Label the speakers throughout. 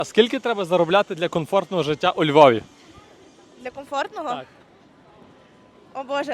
Speaker 1: А скільки треба заробляти для комфортного життя у Львові?
Speaker 2: Для комфортного?
Speaker 1: Так.
Speaker 2: О Боже,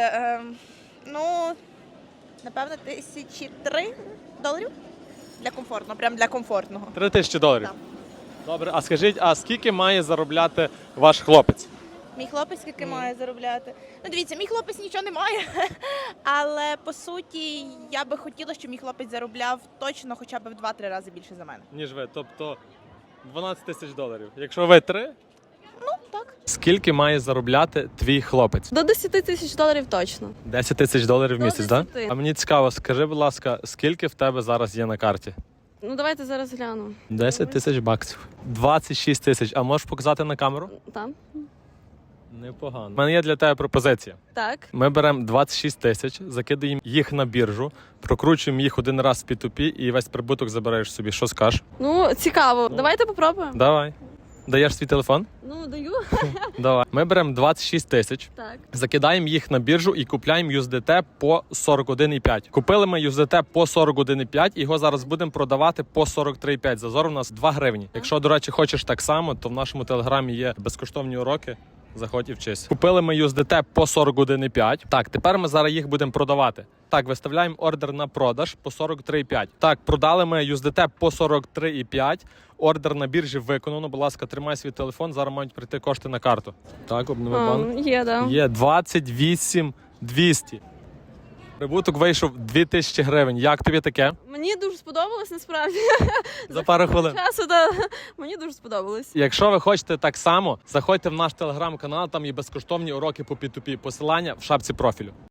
Speaker 2: напевно, $1003 для комфортного, прям для комфортного.
Speaker 1: $3000.
Speaker 2: Так.
Speaker 1: Добре, а скажіть, а скільки має заробляти ваш хлопець?
Speaker 2: Мій хлопець скільки має заробляти? Ну, дивіться, мій хлопець нічого не має, але по суті я би хотіла, щоб мій хлопець заробляв точно хоча б в 2-3 рази більше за мене.
Speaker 1: Ніж ви, тобто $12 000. Якщо ви 3,
Speaker 2: Ну, так.
Speaker 1: скільки має заробляти твій хлопець?
Speaker 3: До $10 000 точно.
Speaker 1: $10 000 в місяць, так?
Speaker 3: 10.
Speaker 1: А мені цікаво, скажи, будь ласка, скільки в тебе зараз є на карті?
Speaker 3: Ну давайте зараз гляну.
Speaker 1: 10 тисяч баксів. 26 тисяч. А можеш показати на камеру?
Speaker 3: Там.
Speaker 1: Непогано. У мене є для тебе пропозиція.
Speaker 3: Так.
Speaker 1: Ми беремо 26 тисяч, закидаємо їх на біржу, прокручуємо їх один раз в P2P і весь прибуток забираєш собі. Що скажеш?
Speaker 3: Ну, цікаво. Давайте попробуємо.
Speaker 1: Давай. Даєш свій телефон?
Speaker 3: Ну, даю.
Speaker 1: Давай. Ми беремо 26 тисяч,
Speaker 3: Так.
Speaker 1: закидаємо їх на біржу і купляємо USDT по 41,5. Купили ми USDT по 41,5, його зараз будемо продавати по 43,5. Зазор у нас 2 гривні. Якщо, до речі, хочеш так само, то в нашому телеграмі є безкоштовні уроки. Заходь і вчись. Купили ми USDT по 41,5. Так, тепер ми зараз їх будемо продавати. Так, виставляємо ордер на продаж по 43,5. Так, продали ми USDT по 43,5. Ордер на біржі виконано. Будь ласка, тримай свій телефон, зараз мають прийти кошти на карту. Так, обнови банк.
Speaker 3: Є, да.
Speaker 1: Є 28,200. Прибуток вийшов 2000 гривень. Як тобі таке?
Speaker 3: Мені дуже сподобалось, насправді.
Speaker 1: За пару хвилин.
Speaker 3: Часу, да. Мені дуже сподобалось.
Speaker 1: Якщо ви хочете так само, заходьте в наш телеграм-канал, там є безкоштовні уроки по P2P. Посилання в шапці профілю.